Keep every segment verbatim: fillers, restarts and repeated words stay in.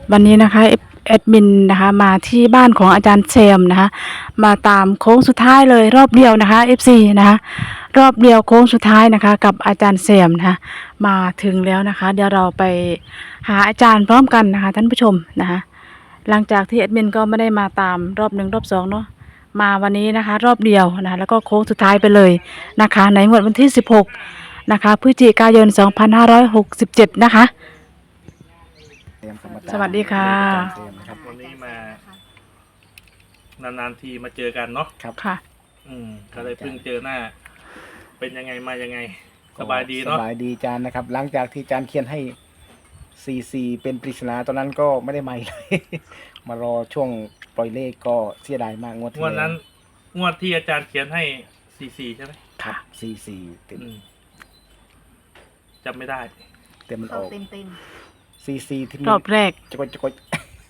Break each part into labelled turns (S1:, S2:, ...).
S1: วันนี้นะคะแอดมินนะคะมาที่บ้านของอาจารย์แซมนะคะมาตามโค้งสุดท้ายเลยรอบเดียวนะคะ เอฟ ซี นะคะรอบเดียวโค้งสุดท้ายนะคะกับอาจารย์แซมนะคะมาถึงแล้วนะคะเดี๋ยวเราไปหาอาจารย์พร้อมกันนะคะท่านผู้ชมนะคะหลังจากที่แอดมินก็ไม่ได้มาตามรอบหนึ่งรอบสองเนาะมาวันนี้นะคะรอบเดียวนะคะแล้วก็โค้งสุดท้ายไปเลยนะคะในงวดวันที่สิบหกนะคะพฤศจิกายนสองพันห้าร้อยหกสิบเจ็ดนะคะสวัสดีค่ะ
S2: วันนี้มานานๆทีมาเจอกันเนาะ
S1: ครับค่ะ
S2: อืมก็เลยเพิ่งเจอหน้า เป็นยังไงมายังไงสบายดีเนาะ
S3: สบายดีจานนะครับหลังจากที่จานเขียนให้ซีซีเป็นปริศนาตอนนั้นก็ไม่ได้มาเลย มารอช่วงปล่อยเลขก็เสียดายมากงวดที่
S2: งวดนั้นงวดที่อาจารย์เขียนให้สี่สี่ใช่ไหม
S3: ครับซีซีเต็ม
S2: จำไม่ได้
S3: เต็มมันออก
S4: เต็มเต็ม
S3: ซีซีที่
S1: รอบแรก
S3: จะกดจะกด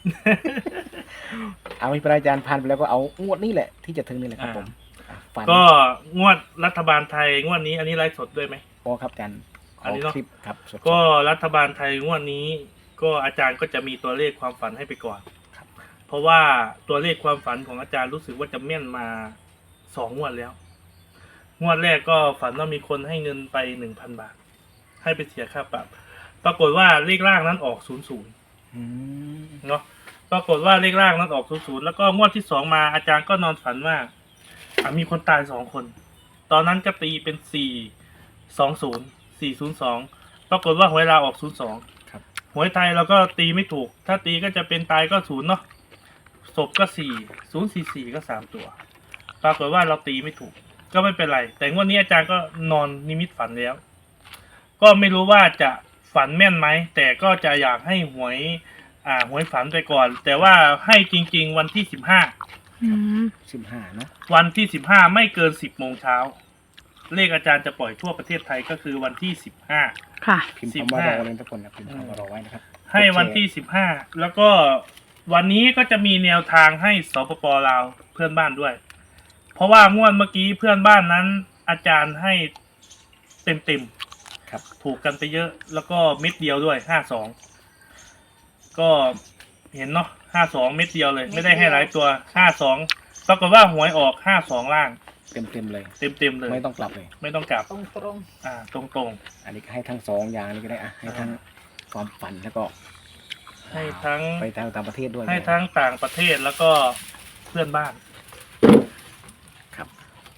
S3: เอาไม่เป็นไรจานผ่านไปแล้วก็เอางวดนี้แหละที่จะถึงนี่แหละครับผม
S2: ก็งวดรัฐบาลไทยงวดนี้อันนี้ไลฟ์สดด้วยไหม
S3: พอครับจานขอคลิปครับ
S2: ก็รัฐบาลไทยงวดนี้ ก็อาจารย์ก็จะมีตัวเลขความฝันให้ไปก่อนเพราะว่าตัวเลขความฝันของอาจารย์รู้สึกว่าจะแม่นมาสองงวดแล้วงวดแรกก็ฝันว่ามีคนให้เงินไปหนึ่งพันบาทให้ไปเสียค่าปรับปรากฏว่าเลขล่างนั้นออกศูนย์ศูนย์เนาะปรากฏว่าเลขล่างนั้นออกศูนย์ศูนย์แล้วก็งวดที่สองมาอาจารย์ก็นอนฝันว่ามีคนตายสองคนตอนนั้นก็ตีเป็นสี่สองศูนย์สี่ศูนย์สองปรากฏว่าหวยลาวออกศูนย์สองหวยไทยเราก็ตีไม่ถูกถ้าตีก็จะเป็นตายก็ศูนย์เนาะศพก็สี่ศูนย์สี่สี่ก็สามตัวปรากฏว่าเราตีไม่ถูกก็ไม่เป็นไรแต่งวดนี้อาจารย์ก็นอนนิมิตฝันแล้วก็ไม่รู้ว่าจะฝันแม่นไหมแต่ก็จะอยากให้หวยอ่าหวยฝันไปก่อนแต่ว่าให้จริงๆวันที่สิบห้า
S3: สิบห้านะ
S2: วันที่สิบห้าไม่เกินสิบโมงเช้าเลขอาจารย์จะปล่อยทั่วประเทศไทยก็คือวันที่สิบห้า
S1: ค่ะ
S3: พิมพ์คำว่ารอเลยทุกคนนะพิมพ์คำว่ารอไว้นะครับ
S2: ให้วันที่สิบห้าแล้วก็วันนี้ก็จะมีแนวทางให้สปป.ลาวเพื่อนบ้านด้วยเพราะว่างวดเมื่อกี้เพื่อนบ้านนั้นอาจารย์ให้เต็มเต็ม
S3: ครับ
S2: ถูกกันไปเยอะแล้วก็เม็ดเดียวด้วยห้าสองก็เห็นเนาะห้าสองเม็ดเดียวเลยไม่ได้ให้หลายตัวห้าสองปรากฏว่าหวยออกห้าสองล่าง
S3: เต็มเต็มเลย
S2: เต็มเต็มเลย
S3: ไม่ต้องกลับเลย
S2: ไม่ต้องกลับ
S4: ตรงตรง
S2: อ่าตรงตรง
S3: อันนี้ก็ให้ทั้งสองอย่างนี้ก็ได้อ่ะให้ทั้งความฝันแล้วก็
S2: ให้ทั้ง
S3: ไปทางต่างประเทศด้วย
S2: ให้ทั้งต่างประเทศแล้วก็เพื่อนบ้าน
S3: ครับ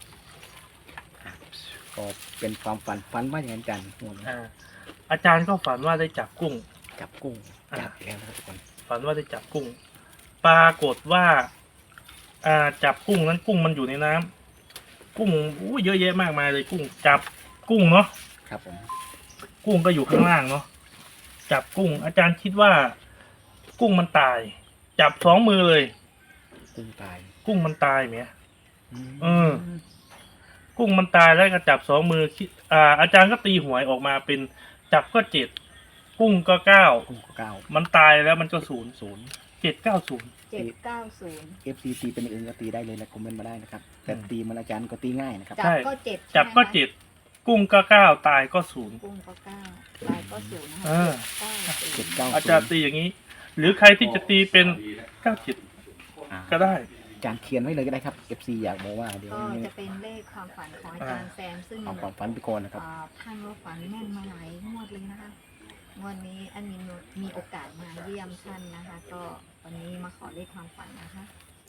S3: ก็เป็นความฝันฝันว่าอย่างนั้นจันทร์
S2: อ่าอาจารย์ก็ฝันว่าได้จับกุ้ง
S3: จับกุ้งจับแล้วนะครับทุกคน
S2: ฝันว่าได้จับกุ้งปรากฏว่าอ่าจับกุ้งนั้นกุ้งมันอยู่ในน้ำกุ้งอู้เยอะแยะมากมายเลยกุ้งจับกุ้งเนาะ
S3: ครับผม
S2: กุ้งก็อยู่ข้างล่างเนาะจับกุ้งอาจารย์คิดว่ากุ้งมันตายจับสองมือเลย
S3: กุ้งตาย
S2: กุ้งมันตายไหมเออกุ้งมันตายแล้วก็จับสองมืออ่าอาจารย์ก็ตีหวยออกมาเป็นจับก็เจ็ดกุ้งก็เก้า
S3: กุ้งก็เก้า
S2: มันตายแล้วมันก็ศูนย์ศูนย์เจ็ดเก้าศูนย์
S4: เจ็ดเก้าศูนย์
S3: เอฟซีตีเป็นอื่นก็ตีได้เลยนะคอมเมนต์มาได้นะครับแต่ตีมันอาจารย์ก็ตีง่ายนะครับ
S4: จับก็เจ็ด
S2: จับก็เจ็ดกุ้งก็เก้าตายก็ศูนย์
S4: กุ้งก็เก้าตายก็ศูนย์นะคะ
S3: เจ็ดเก้า
S2: อาจารย์ตีอย่างนี้หรือใครที่จะตีเป็นเก้าเจ็ดก็ได้
S3: อาจารย์เขียนไว้เลยก็ได้ครับ เอฟ ซี อยากบอกว่าเดี๋ยว
S4: ก็จะเป็นเลขความฝันของอาจารย์แซมซึ่ง
S3: เอาความฝันไปก่อนนะครับ
S4: ท่านว่าฝันแม่นมาหลายงวดเลยนะคะวันนี้อันมีมีโอกาสมาเยี่ยมท่านนะคะก็วันนี้มาขอเลขความฝันนะคะ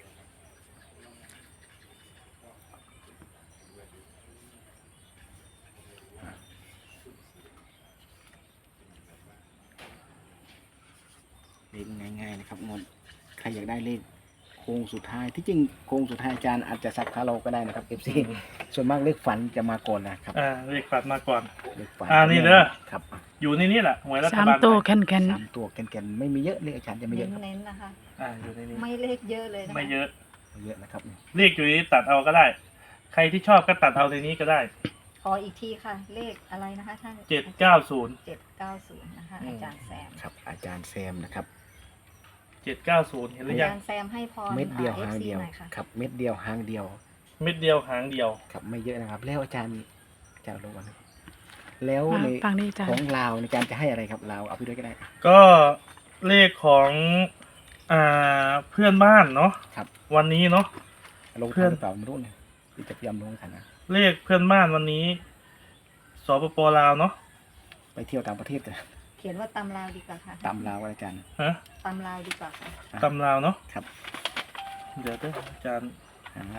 S3: เลขง่ายๆนะครับงวดใครอยากได้เลขโค้งสุดท้ายที่จริงโค้งสุดท้ายอาจารย์อาจจะซับคาเราก็ได้นะครับ เอฟ ซี ส่วนมากเลขฝันจะมาก่อนนะครับ
S2: อ่าเลขฝันมาก่อน
S3: เลขฝัน
S2: อ่านี่เด้อ
S3: ครับ
S2: อยู่ในนี้แหละหวยรัฐบาล
S1: สามตัวแคนแคน
S3: สามตัวแคนแคนไม่มีเยอะเลขอาจารย์จะไม่เยอะ
S4: เน้นๆนะคะ
S2: อ่าอยู่ในนี้
S4: ไม่เลขเยอะเลย
S2: ไม่เยอะ
S3: เยอะนะครับ
S2: เลขอยู่นี้ตัดเอาก็ได้ใครที่ชอบก็ตัดเอาในนี้ก็ได้
S4: ขออีกทีค่ะเลขอะไรนะคะท่าน
S2: เจ็ดเก้าศูนย์
S4: เจ็ดเก้าศูนย์นะคะอาจารย์แซม
S3: ครับอาจารย์แซมนะครับ
S2: เจ็ดเก้าศูนย์เห็นหรือยัง
S4: อาจารย์แซมให้พร
S3: เม็ดเดียวหางเดียวครับเม็ดเดียวหางเดียว
S2: เม็ดเดียวหางเดียว
S3: ครับไม่เยอะนะครับแล้วอาจารย์อาจารย์รู้กันแล้วในของลาวในการจะให้อะไรครับลาวเอาไปด้วยก็ได้
S2: ก็เลขของอ่าเพื่อนบ้านเนาะ
S3: ครับ
S2: วันนี้เนาะ
S3: ลง
S2: เพื่
S3: ทั
S2: อน น
S3: หรือเปล่าไม่รู้เนี่ยที่จะพยายามลงทันนะ
S2: เลขเพื่อนบ้านวันนี้สปปลาวเนาะ
S3: ไปเที่ยวต่างประเทศกัน
S4: เขียนว่าตำลาวดีกว่าค่ะ
S3: ตามลาวอาจารย์
S2: ฮะ
S4: ตำลาวดีกว่าค่ะ
S2: ตำลาวเนาะ
S3: ครับ
S2: เดี๋ยวเด้ออาจารย์
S3: หา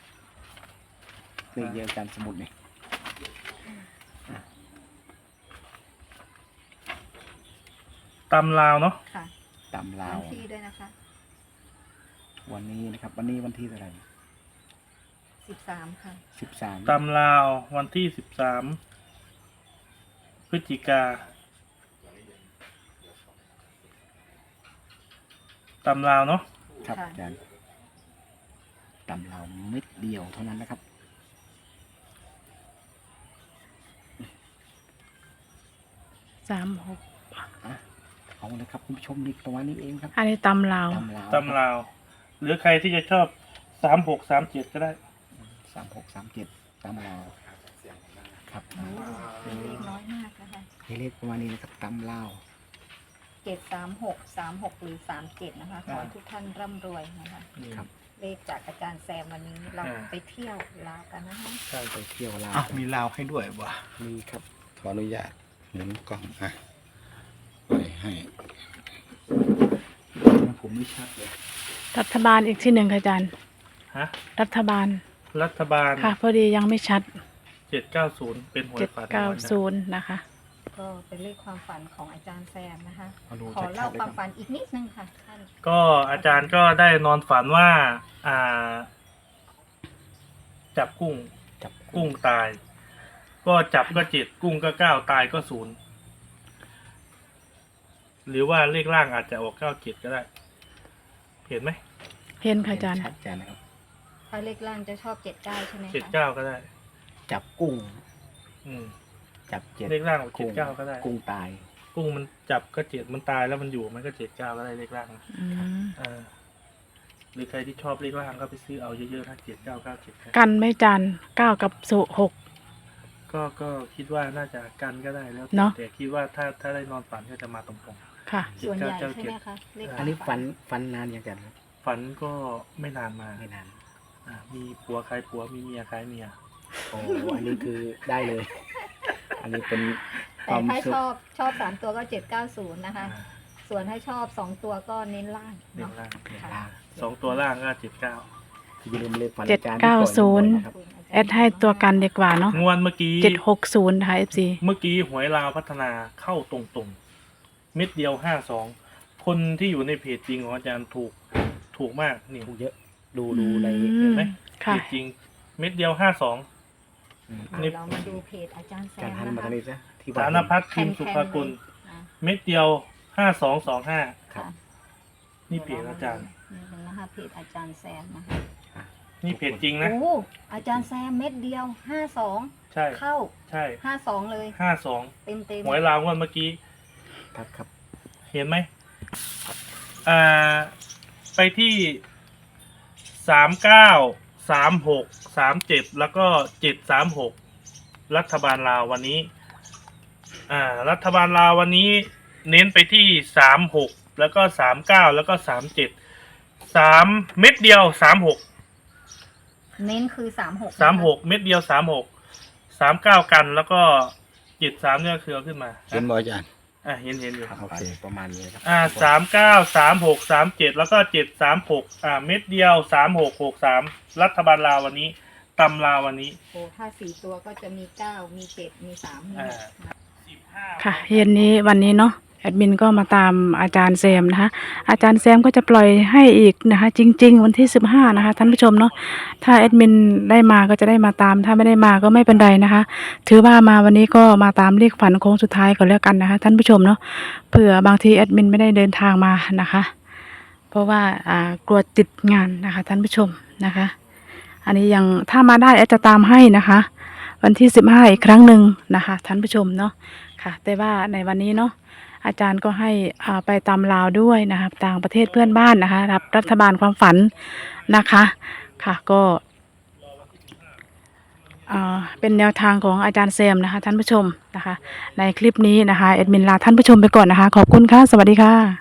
S3: เลขเยอะอาจารย์สมุดนี่
S2: ตำลาวเนาะ
S4: ค่ะ
S3: ตามลา
S4: วั
S3: วน
S4: ที่ด้วยนะคะ
S3: วันนี้นะครับ วันนี้วันที่เท่าไหร่
S4: สิบสามค่ะ
S3: สิบสาม
S2: ตำลาววันที่สิบสามพฤศจิกาตำลาวเนาะ
S3: ครับ
S4: ค่ะ
S3: อาจารย์ตามลาวเม็ดเดียวเท่านั้นนะครับ
S1: สามหก
S3: เอาเลยครับคุณผู้ชมนี่ประมาณนี้เองครับ
S1: อันนี้ตำลาว
S3: ตามลาว
S2: ตำลาว หรือใครที่จะชอบสามหกสามเจ็ดก็ได้
S3: สามหกสามเจ็ดตามลาวครับ
S4: โอ้เป็นเลขน้อยมากนะคะ
S3: ให้เลขประมาณนี้นะครับตามลาว
S4: เจ็ดสามหกสามหกหรือสามเจ็ดนะคะ ขอให้ทุกท่านร่ำรวยนะคะ
S3: ครับ
S4: เลขจากอาจารย์แซมวันนี้เรา
S2: อ่า
S4: ไปเที่ยวลาวกันนะคะ
S2: ใช่
S3: ไปเที่ยวลาว
S5: อ้าวมีลาวให้ด้วยวะ
S3: มีครับ
S5: ขออนุญาตหมุนกล้องอ่ะปล่อยให้
S3: ผมไม่ชัดเลย
S1: รัฐบาลอีกที่หนึ่งค่ะอาจารย์
S2: ฮะ
S1: รัฐบาล
S2: รัฐบาล
S1: ค่ะพอดียังไม่ชัด
S2: เจ็ดเก้าศูนย์เป็นหวย
S1: เจ็ด
S2: ฝัน
S1: เก้าศูนย์นะคะ
S4: ก็เป็นเลขความฝันของอาจารย์แซมนะคะ
S3: เอาดู
S4: ขอ
S3: ชั
S4: เล่า
S3: ดๆเลย
S4: ค
S3: คว
S4: าม
S3: รับ
S4: ฝันอีกนิดนึงค่ะท่าน
S2: ก็อาจารย์ก็ได้นอนฝันว่า อ่า จับกุ้ง
S3: จับ
S2: กุ้งตาย ก็จับก็เจ็ดกุ้งก็เก้าตายก็ศูนย์หรือว่าเลขล่างอาจจะออกเก้าเจ็ดก็ได้ เห็นไหม
S1: เห็นค่ะอาจารย์
S3: ชัดอาจารย์นะครับ
S4: ถ้าเลขล่างจะชอบเจ็ดเก้าใช่ไหม
S2: เจ็ด
S4: คะ
S2: เก้าก็ได้
S3: จับกุ้ง
S2: อืม
S3: จับเจ็ด
S2: เลขล่างออกเจ็
S3: กุ้
S2: ด
S3: ง
S2: เก้าก็ได้
S3: กุ้งตาย
S2: กุ้งมันจับก็เจ็ดมันตายแล้วมันอยู่มันก็เจ็ดเก้าก็ได้เลขล่างนะ
S1: อืม
S2: อ่าหรือใครที่ชอบเลขล่างก็ไปซื้อเอาเยอะๆถ้าเจ็ดเก้าเก้าเจ็ด
S1: กันไม่จานเก้ากับสุหก
S2: ก็ก็คิดว่าน่าจะกันก็ได้แล้วแต่
S1: เนอะ
S2: แต่คิดว่าถ้าถ้าได้นอนฝันก็จะมาตรง
S1: ค่ะ
S4: ส่วนใหญ่ใช่ไหมคะเลข
S3: อันนี้ฟันฟันนานยังอาจารย์ครับ
S2: ๆฝันก็ไม่นานมา
S3: ไม่นาน
S2: อ่ามีผัวคล้ายผัวมีเมียคล้ายเมีย
S3: โอ้อันนี้คือได้เลย อันนี้เป็นค
S4: แต่
S3: วาม
S4: ถ้า
S3: สุข
S4: ชอบชอบสามตัวก็เจ็ดเก้าศูนย์นะคะ
S2: อ่า
S4: ส่วนถ้าชอบสองตัวก็เน้นล่าง
S2: เน้น
S4: เนาะ
S2: ล่าง
S3: เนี่ย
S4: ค่ะ
S3: ล่าง
S2: สองตัวล่างก็เจ็ดเก้า
S3: อย่าลืมเลขฟัน
S1: เจ็ด
S3: อาจารย์
S1: เก้าศูนย์
S3: ที่ปล่อบ่อๆนะครับ
S1: แอดให้ตัวกันดีกว่าเนาะ
S2: งวดเมื่อกี้
S1: เจ็ดหกศูนย์นะคะเอฟซี
S2: เมื่อกี้หวยลาวพัฒนาเข้าตรงๆเม็ดเดียวห้าสองคนที่อยู่ในเพจจริงของอาจารย์ถูกถูกมากนี่
S3: ถูกเยอะ ดูดูใน
S2: เห็นไหม เพ
S1: ค่ะ
S2: จจริง เม็ดเดียวห้าสอง
S3: อืม
S4: อ่ะ
S2: นี่
S4: เรามาดูเพจอาจารย์แซ
S3: การ
S4: ม
S3: หัน
S4: นะ
S3: มา
S4: คะ
S3: ทางนี้ซะที่
S2: สารพัดพิมพ์สุภกุล
S4: อ่ะ
S2: เม็ดเดียวห้าสองสองห้า
S3: ครับ
S2: นี่เพจอาจารย์
S4: นี่เป็นนะคะเพจอาจารย์แซมนะคะ
S2: นี่เพจจริงนะ
S4: โอ้อาจารย์แซมเม็ดเดียวห้าสอง
S2: ใช่
S4: เข้า
S2: ใช่
S4: ห้าสองเลย
S2: ห้าสอง
S4: เต็มเต็ม
S2: หวยลาวงวดเมื่อกี้
S3: ครับครับ
S2: เห็นไหมอ่า ไปที่สามเก้าสามหกสามเจ็ดแล้วก็เจ็ดสามหกรัฐบาลลาววันนี้ อ่า รัฐบาลลาววันนี้ เน้นไปที่สามหกแล้วก็สามเก้าแล้วก็สามเจ็ดสามเม็ดเดียวสามหก
S4: เน้นคือสามหก
S2: สามหกเม็ดเดียวสามหกสามเก้ากันแล้วก็เจ็ดสามเนี่ยคือเอาขึ้นมา
S5: เห็นบ่อาจารย์
S2: อ่ะเห็นเห็นอยู่
S3: ครับ
S5: โอเค
S3: ประมาณนี้ครับ
S2: อ่าสามเก้าสามหกสามเจ็ดแล้วก็เจ็ดสามหกอ่าเม็ดเดียวสามหกหกสามรัฐบาลลาววันนี้ตำลาววันนี้
S4: โอ้ถ้าสี่ตัวก็จะมีเก้ามีเจ็ดมีสามมีหกนะ
S2: สิบห้า
S1: ค่ะเย็นนี้วันนี้เนาะแอดมินก็มาตามอาจารย์แซมนะคะอาจารย์แซมก็จะปล่อยให้อีกนะคะ จริง ๆ วันที่สิบห้านะคะท่านผู้ชมเนาะถ้าแอดมินได้มาก็จะได้มาตามถ้าไม่ได้มาก็ไม่เป็นไรนะคะ ถือว่ามาวันนี้ก็มาตามเลขฝันโค้งสุดท้ายก่อนแล้วกันนะคะท่านผู้ชมเนาะเผื่อบางทีแอดมินไม่ได้เดินทางมานะคะ เพราะว่าอ่ากลัวติดงานนะคะท่านผู้ชมนะคะ อันนี้ยังถ้ามาได้แอดจะตามให้นะคะ วันที่สิบห้าอีกครั้งหนึ่งนะคะท่านผู้ชมเนาะค่ะแต่ว่าในวันนี้เนาะอาจารย์ก็ให้อ่าไปตามลาวด้วยนะคะต่างประเทศเพื่อนบ้านนะคะรับรัฐบาลความฝันนะคะค่ะก็อ่าเป็นแนวทางของอาจารย์แซมนะคะท่านผู้ชมนะคะในคลิปนี้นะคะแอดมินลาท่านผู้ชมไปก่อนนะคะขอบคุณค่ะสวัสดีค่ะ